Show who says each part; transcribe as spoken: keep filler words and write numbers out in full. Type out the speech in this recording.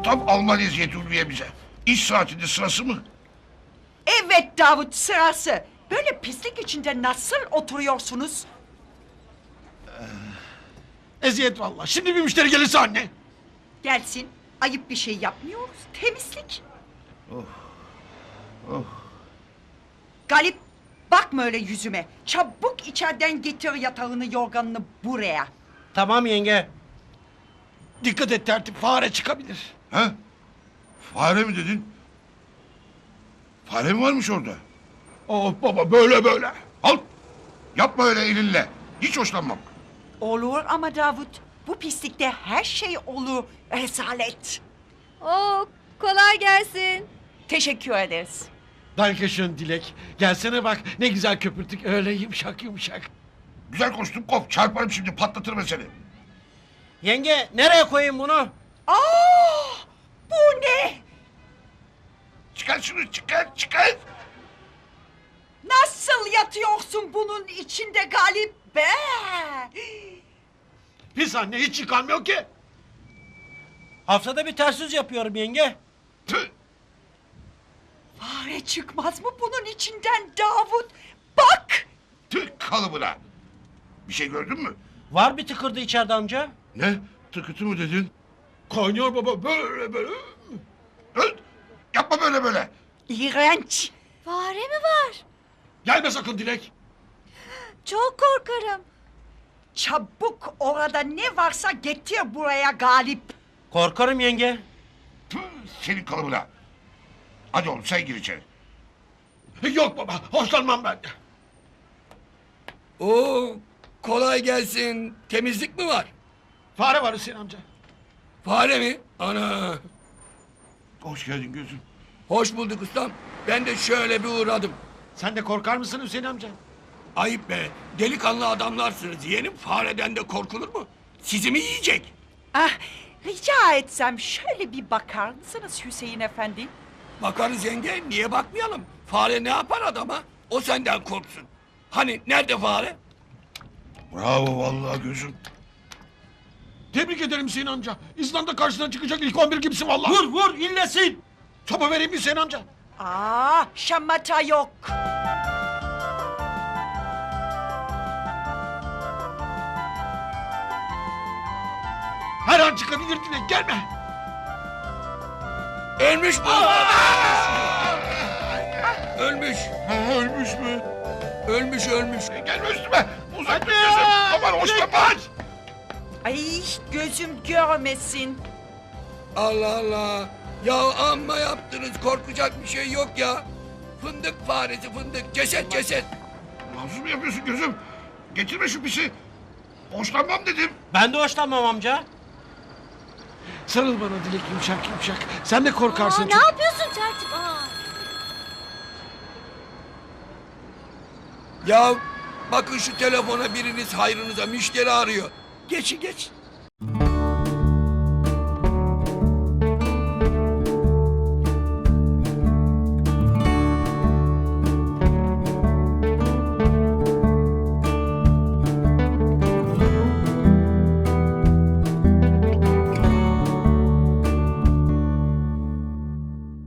Speaker 1: Tam Alman eziyeti Ulviye bize. İş saatinde sırası mı?
Speaker 2: Evet Davut, sırası. Böyle pislik içinde nasıl oturuyorsunuz?
Speaker 3: Eziyet vallahi. Şimdi bir müşteri gelirse anne.
Speaker 2: Gelsin. Ayıp bir şey yapmıyoruz. Temizlik.
Speaker 1: Oh. Oh.
Speaker 2: Galip, bakma öyle yüzüme. Çabuk içeriden getir yatağını, yorganını buraya.
Speaker 4: Tamam yenge.
Speaker 3: Dikkat et tertip, fare çıkabilir.
Speaker 1: He? Fare mi dedin? Fare mi varmış orada?
Speaker 3: Oh baba, böyle böyle.
Speaker 1: Al! Yapma öyle elinle. Hiç hoşlanmam.
Speaker 2: Olur ama Davut, bu pislikte her şey olur. Rezalet.
Speaker 5: Oo, kolay gelsin.
Speaker 2: Teşekkür ederiz.
Speaker 3: Dankeschön Dilek. Gelsene bak, ne güzel köpürtük, öyle yumuşak yumuşak.
Speaker 1: Güzel koştum kop. Çarparım şimdi, patlatırım seni.
Speaker 4: Yenge nereye koyayım bunu?
Speaker 2: Aa, bu ne?
Speaker 1: Çıkar şunu, çıkar, çıkar.
Speaker 2: Nasıl yatıyorsun bunun içinde Galip be?
Speaker 3: Pis anne, hiç yıkanmıyor ki.
Speaker 4: Haftada bir ters yüz yapıyorum yenge.
Speaker 1: Tüh!
Speaker 2: Fare çıkmaz mı bunun içinden Davut? Bak!
Speaker 1: Tüh kalıbına. Bir şey gördün mü?
Speaker 4: Var bir tıkırdı içeride amca.
Speaker 1: Ne? Tıkıtı mı dedin?
Speaker 3: Kaynıyor baba, böyle böyle.
Speaker 1: Öl! Yapma böyle böyle.
Speaker 2: İğrenç.
Speaker 5: Fare mi var?
Speaker 3: Gelme sakın Dilek.
Speaker 5: Çok korkarım.
Speaker 2: Çabuk orada ne varsa getir buraya Galip.
Speaker 4: Korkarım yenge.
Speaker 1: Tüh, senin kalıbına. Hadi oğlum sen gir içeri.
Speaker 3: Yok baba, hoşlanmam ben.
Speaker 6: Oo, kolay gelsin. Temizlik mi var?
Speaker 3: Fare var Hüseyin amca.
Speaker 6: Fare mi? Ana.
Speaker 1: Hoş geldin gözüm.
Speaker 6: Hoş bulduk ustam. Ben de şöyle bir uğradım.
Speaker 3: Sen de korkar mısın Hüseyin amca?
Speaker 6: Ayıp be. Delikanlı adamlarsınız. Yeğenim fareden de korkulur mu? Sizi mi yiyecek?
Speaker 2: Ah, rica etsem şöyle bir bakar mısınız Hüseyin Efendi?
Speaker 6: Bakarız yenge. Niye bakmayalım? Fare ne yapar adama? O senden korksun. Hani nerede fare?
Speaker 1: Bravo vallahi gözüm.
Speaker 3: Tebrik ederim Hüseyin amca. İzlanda karşısına çıkacak ilk on bir gibisin vallahi.
Speaker 4: Vur vur illesin.
Speaker 3: Sopa vereyim Hüseyin amca.
Speaker 2: Aa, şamata yok.
Speaker 3: Her an çıkabilir Dilek, gelme.
Speaker 6: Ölmüş bu. Ölmüş.
Speaker 1: Ha, ölmüş mü?
Speaker 6: Ölmüş ölmüş.
Speaker 1: E, gelme üstüme. Uzak dur gözüm. Aman hoşlanma.
Speaker 2: Ay, gözüm görmesin.
Speaker 6: Allah Allah. Ya amma yaptınız. Korkacak bir şey yok ya. Fındık faresi fındık. Ceset ceset.
Speaker 1: Mahsus mu yapıyorsun gözüm? Getirme şu pisi. Hoşlanmam dedim.
Speaker 4: Ben de hoşlanmam amca.
Speaker 3: Sarıl bana Dilek, yumuşak yumuşak. Sen de korkarsın
Speaker 5: Aa, ne
Speaker 3: çok.
Speaker 5: yapıyorsun tertip? Aa.
Speaker 6: Ya bakın şu telefona biriniz hayrınıza müşteri arıyor. Geçin geç.